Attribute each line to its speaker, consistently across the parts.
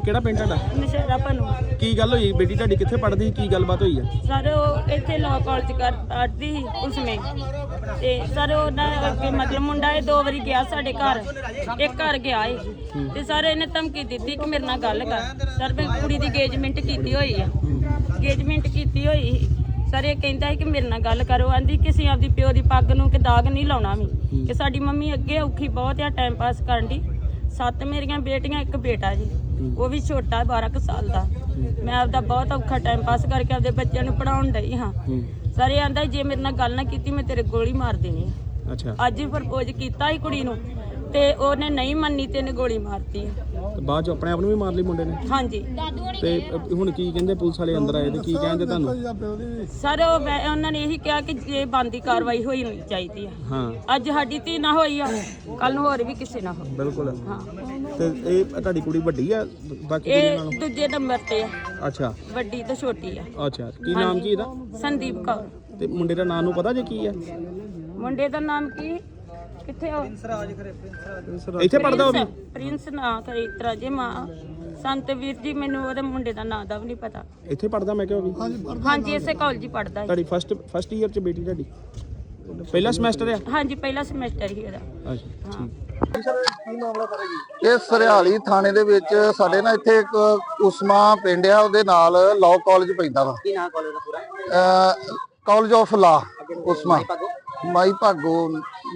Speaker 1: ਕਿਹੜਾ ਪਿੰਡ ਤੁਹਾਡਾ?
Speaker 2: ਨਸ਼ਹਿਰਾ ਭਨੂ।
Speaker 1: ਕੀ ਗੱਲ ਹੋਈ? ਬੇਟੀ ਤੁਹਾਡੀ ਕਿੱਥੇ ਪੜ੍ਹਦੀ ਸੀ? ਕੀ ਗੱਲਬਾਤ ਹੋਈ ਹੈ?
Speaker 2: ਸਰ ਉਹ ਇੱਥੇ ਲਾਅ ਕਾਲਜ ਪੜ੍ਹਦੀ ਸੀ ਉਸਮੇ ਤੇ ਸਰ ਉਹਨਾਂ ਅੱਗੇ ਮਤਲਬ ਮੁੰਡਾ ਇਹ 2 ਵਾਰੀ ਗਿਆ ਸਾਡੇ ਘਰ, ਇੱਕ ਘਰ ਗਿਆ ਏ ਤੇ ਸਰ ਇਹਨੇ ਧਮਕੀ ਦਿੱਤੀ ਕਿ ਮੇਰੇ ਨਾਲ ਗੱਲ ਕਰ। ਸਰ ਮੈਂ ਕੁੜੀ ਦੀ engagement ਕੀਤੀ ਹੋਈ ਆ, engagement ਕੀਤੀ ਹੋਈ। ਸਰ ਇਹ ਕਹਿੰਦਾ ਹੈ ਕਿ ਮੇਰੇ ਨਾਲ ਗੱਲ ਕਰੋ। ਆਂਦੀ ਕਿਸੇ ਆਪਦੀ ਪਿਓ ਦੀ ਪੱਗ ਨੂੰ ਕਿ ਦਾਗ ਨਹੀਂ ਲਾਉਣਾ ਵੀ, ਕਿ ਸਾਡੀ ਮੰਮੀ ਅੱਗੇ ਔਖੀ ਬਹੁਤ ਆ ਟਾਈਮ ਪਾਸ ਕਰਨ ਦੀ। 7 ਮੇਰੀਆਂ ਬੇਟੀਆਂ, 1 ਬੇਟਾ ਜੀ, ਉਹ ਵੀ ਛੋਟਾ 12 ਕੁ ਸਾਲ ਦਾ। ਮੈਂ ਆਪਦਾ ਬਹੁਤ ਔਖਾ ਟਾਈਮ ਪਾਸ ਕਰਕੇ ਆਪਦੇ ਬੱਚਿਆਂ ਨੂੰ ਪੜਾਉਣ ਡਈ ਹਾਂ। ਸਰ ਇਹ ਆਂਦਾ ਜੇ ਮੇਰੇ ਨਾਲ ਗੱਲ ਨਾ ਕੀਤੀ ਮੈਂ ਤੇਰੇ ਗੋਲੀ ਮਾਰ ਦੇਣੀ ਆ।
Speaker 1: ਅੱਛਾ।
Speaker 2: ਅੱਜ ਹੀ ਪ੍ਰਪੋਜ਼ ਕੀਤਾ ਸੀ ਕੁੜੀ ਨੂੰ ਤੇ ਉਹਨੇ ਨਹੀਂ ਮੰਨੀ ਤੇ ਇਹਨੇ ਗੋਲੀ ਮਾਰਤੀ।
Speaker 1: ਤੇ ਬਾਅਦ ਚ ਆਪਣੇ ਆਪ ਨੂੰ ਵੀ ਮਾਰ ਲਈ ਮੁੰਡੇ ਨੇ?
Speaker 2: ਹਾਂਜੀ।
Speaker 1: ਤੇ ਹੁਣ ਕੀ ਕਹਿੰਦੇ ਪੁਲਿਸ ਵਾਲੇ ਅੰਦਰ ਆਏ ਤੇ ਕੀ ਕਹਿੰਦੇ ਤੁਹਾਨੂੰ?
Speaker 2: ਸਰ ਉਹਨਾਂ ਨੇ ਇਹੀ ਕਿਹਾ ਕਿ ਜੇ ਬੰਦੀ ਕਾਰਵਾਈ ਹੋਈ ਨਹੀਂ ਚਾਹੀਦੀ ਆ।
Speaker 1: ਹਾਂ।
Speaker 2: ਅੱਜ ਸਾਡੀ ਧੀ ਨਾ ਹੋਈ ਆ, ਕੱਲ ਨੂੰ ਹੋਰ ਵੀ ਕਿਸੇ ਨਾ ਹੋਵੇ।
Speaker 1: ਬਿਲਕੁਲ।
Speaker 2: ਹਾਂ।
Speaker 1: ਤੇ ਇਹ ਤੁਹਾਡੀ ਕੁੜੀ ਵੱਡੀ ਆ ਬਾਕੀ ਕੁੜੀਆਂ
Speaker 2: ਇਹ
Speaker 1: ਨਾਲੋਂ?
Speaker 2: ਦੂਜੇ ਨੰਬਰ ਤੇ ਆ।
Speaker 1: ਅੱਛਾ।
Speaker 2: ਵੱਡੀ ਤੇ ਛੋਟੀ ਆ।
Speaker 1: ਅੱਛਾ। ਕੀ ਨਾਮ ਕੀ ਇਹਦਾ?
Speaker 2: ਸੰਦੀਪ ਕੌਰ।
Speaker 1: ਤੇ ਮੁੰਡੇ ਦਾ ਨਾਮ ਨੂੰ ਪਤਾ ਜੇ ਕੀ ਆ?
Speaker 2: ਮੁੰਡੇ ਦਾ ਨਾਮ ਕੀ? ਕਿੱਥੇ ਹੋ?
Speaker 1: ਇੱਥੇ ਪੜਦਾ ਉਹ ਵੀ?
Speaker 2: ਪ੍ਰਿੰਸ ਨਾ ਕਰੇ ਇਤਰਾ ਜੇ ਮਾਂ ਸੰਤ ਵੀਰ ਜੀ, ਮੈਨੂੰ ਉਹਦੇ ਮੁੰਡੇ ਦਾ ਨਾਂ ਦਾ ਵੀ ਨਹੀਂ ਪਤਾ।
Speaker 1: ਇੱਥੇ ਪੜਦਾ ਮੈਂ ਕਿਹਾ ਉਹ ਵੀ?
Speaker 2: ਹਾਂਜੀ ਇਸੇ ਕਾਲਜ ਹੀ ਪੜਦਾ ਹੈ।
Speaker 1: ਤੁਹਾਡੀ ਫਸਟ ਈਅਰ ਚ ਬੇਟੀ ਤੁਹਾਡੀ? ਪਹਿਲਾ ਸਮੈਸਟਰ ਆ?
Speaker 2: ਹਾਂਜੀ ਪਹਿਲਾ ਸਮੈਸਟਰ ਹੀ ਇਹਦਾ।
Speaker 1: ਅੱਛਾ
Speaker 2: ਹਾਂ।
Speaker 1: ਠੀਕ।
Speaker 3: ਇਹ ਸਰਿਆਲੀ ਥਾਣੇ ਦੇ ਵਿੱਚ ਸਾਡੇ ਨਾ ਇੱਥੇ ਇੱਕ ਉਸਮਾ ਪਿੰਡ ਆ, ਉਹਦੇ ਨਾਲ ਲਾਅ ਕਾਲਜ ਪੈਂਦਾ ਵਾ।
Speaker 4: ਕੀ ਨਾਮ ਕਾਲਜ ਦਾ ਪੂਰਾ?
Speaker 3: College of law ਉਸਮਾ। ਮਾਈ ਭਾਗੋ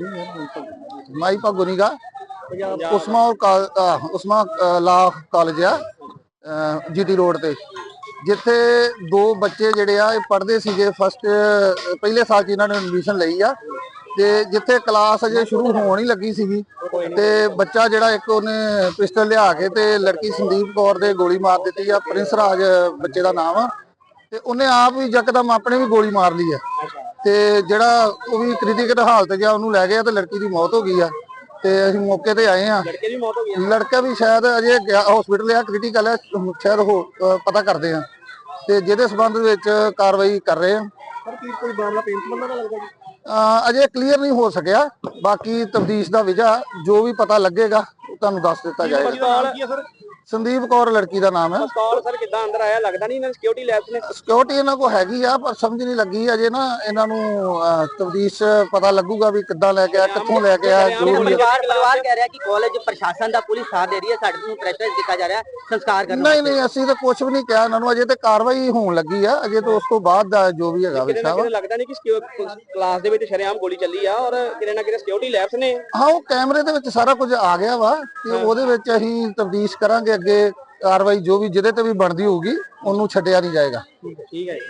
Speaker 3: ਨੀਗਾ ਉਸਮਾ ਉਸਮਾ ਲਾ ਕਾਲਜ ਆ ਜੀਟੀ ਰੋਡ ਤੇ, ਜਿੱਥੇ 2 ਬੱਚੇ ਜਿਹੜੇ ਆ ਇਹ ਪੜ੍ਹਦੇ ਸੀਗੇ। ਪਹਿਲੇ ਸਾਲ ਚ ਇਹਨਾਂ ਨੇ ਐਡਮਿਸ਼ਨ ਲਈ ਆ ਤੇ ਜਿੱਥੇ ਕਲਾਸ ਅਜੇ ਸ਼ੁਰੂ ਹੋਣ ਹੀ ਲੱਗੀ ਸੀਗੀ ਤੇ ਬੱਚਾ ਜਿਹੜਾ ਇੱਕ ਉਹਨੇ ਪਿਸਟਲ ਲਿਆ ਕੇ ਤੇ ਲੜਕੀ ਸੰਦੀਪ ਕੌਰ ਦੇ ਗੋਲੀ ਮਾਰ ਦਿੱਤੀ ਆ। ਪ੍ਰਿੰਸ ਰਾਜ ਬੱਚੇ ਦਾ ਨਾਮ ਆ ਤੇ ਉਹਨੇ ਆਪ ਵੀ ਯਕਦਮ ਆਪਣੇ ਵੀ ਗੋਲੀ ਮਾਰ ਲਈ ਆ ਤੇ ਜਿਹੜਾ ਉਹ ਵੀ ਕ੍ਰਿਟੀਕਲ ਹਾਲਤ ਗਿਆ, ਉਹਨੂੰ ਲੈ ਗਏ ਤੇ ਲੜਕੀ ਦੀ ਮੌਤ ਹੋ ਗਈ ਆ। ਤੇ ਅਸੀਂ ਮੌਕੇ ਤੇ ਆਏ ਆ।
Speaker 4: ਲੜਕੇ ਦੀ ਮੌਤ ਹੋ ਗਈ?
Speaker 3: ਲੜਕਾ ਵੀ ਸ਼ਾਇਦ ਅਜੇ ਹਸਪੀਟਲ ਆ, ਕ੍ਰਿਟੀਕਲ ਆ, ਸ਼ਾਇਦ ਪਤਾ ਕਰਦੇ ਆ ਤੇ ਜਿਹਦੇ ਸਬੰਧ ਵਿੱਚ ਕਾਰਵਾਈ ਕਰ ਰਹੇ ਆ।
Speaker 4: ਸਰ ਕੀ ਕੋਈ ਮਾਮਲਾ ਪੇਂਟ ਬੰਦਾ ਦਾ ਲੱਗਦਾ ਜੀ?
Speaker 3: ਅਜੇ ਕਲੀਅਰ ਨਹੀਂ ਹੋ ਸਕਿਆ, ਬਾਕੀ ਤਫਤੀਸ਼ ਦਾ ਵਿਜਾ ਜੋ ਵੀ ਪਤਾ ਲੱਗੇਗਾ ਉਹ ਤੁਹਾਨੂੰ ਦੱਸ ਦਿੱਤਾ ਜਾਏਗਾ। ਸੰਦੀਪ ਕੌਰ ਲੜਕੀ ਦਾ ਨਾਮ ਹੈ।
Speaker 4: ਪਿਸਤੌਲ ਸਰ ਕਿੱਦਾਂ ਅੰਦਰ ਆਇਆ? ਲੱਗਦਾ ਨਹੀਂ ਇਹਨਾਂ ਸਿਕਿਉਰਿਟੀ ਲੈਬਸ ਨੇ?
Speaker 3: ਸਿਕਿਉਰਿਟੀ ਇਹਨਾਂ ਕੋਲ ਹੈਗੀ ਆ ਪਰ ਸਮਝ ਨਹੀਂ ਲੱਗੀ ਅਜੇ ਨਾ। ਇਹਨਾਂ ਨੂੰ ਤਫਤੀਸ਼ ਪਤਾ ਲੱਗੂਗਾ ਵੀ ਕਿੱਦਾਂ ਲੈ ਕੇ ਆ, ਕਿੱਥੋਂ ਲੈ ਕੇ ਆ। ਜੋ ਵੀ
Speaker 4: ਪਰਿਵਾਰ ਕਹਿ ਰਿਹਾ ਕਿ ਕਾਲਜ ਪ੍ਰਸ਼ਾਸਨ ਦਾ ਪੁਲਿਸ ਸਾਥ ਦੇ ਰਹੀ ਹੈ, ਸਾਡੇ ਨੂੰ ਪ੍ਰੈਸ਼ਰ ਦਿੱਤਾ ਜਾ ਰਿਹਾ ਸੰਸਕਾਰ ਕਰਨ।
Speaker 3: ਨਹੀਂ ਅਸੀਂ ਤਾਂ ਕੁਝ ਵੀ ਨਹੀਂ ਕਿਹਾ ਇਹਨਾਂ ਨੂੰ, ਅਜੇ ਤੇ ਕਾਰਵਾਈ ਹੋਣ ਲੱਗੀ ਆ। ਅਜੇ ਤਾਂ ਉਸ ਤੋਂ ਬਾਅਦ ਦਾ ਜੋ ਵੀ ਹੈਗਾ ਵਿਸ਼ਾ ਵਾ।
Speaker 4: ਲੱਗਦਾ ਨਹੀਂ ਕਿ ਕਲਾਸ ਦੇ ਵਿੱਚ ਸ਼ਰੇਆਮ ਗੋਲੀ ਚੱਲੀ ਆ ਔਰ ਕਿਤੇ ਨਾ ਕਿਤੇ ਸਿਕਿਉਰਿਟੀ ਲੈਬਸ ਨੇ।
Speaker 3: ਹਾਂ, ਉਹ ਕੈਮਰੇ ਦੇ ਵਿੱਚ ਸਾਰਾ ਕੁਝ ਆ ਗਿਆ ਵਾ ਤੇ ਉਹਦੇ ਵਿੱਚ ਅਸੀਂ ਤਫਤੀਸ਼ ਕਰਾਂਗੇ। ਅੱਗੇ ਕਾਰਵਾਈ ਜੋ ਵੀ ਜਿਹਦੇ ਤੇ ਵੀ ਬਣਦੀ ਹੋਊਗੀ ਉਹਨੂੰ ਛੱਡਿਆ ਨਹੀਂ ਜਾਏਗਾ।
Speaker 4: ਠੀਕ ਹੈ।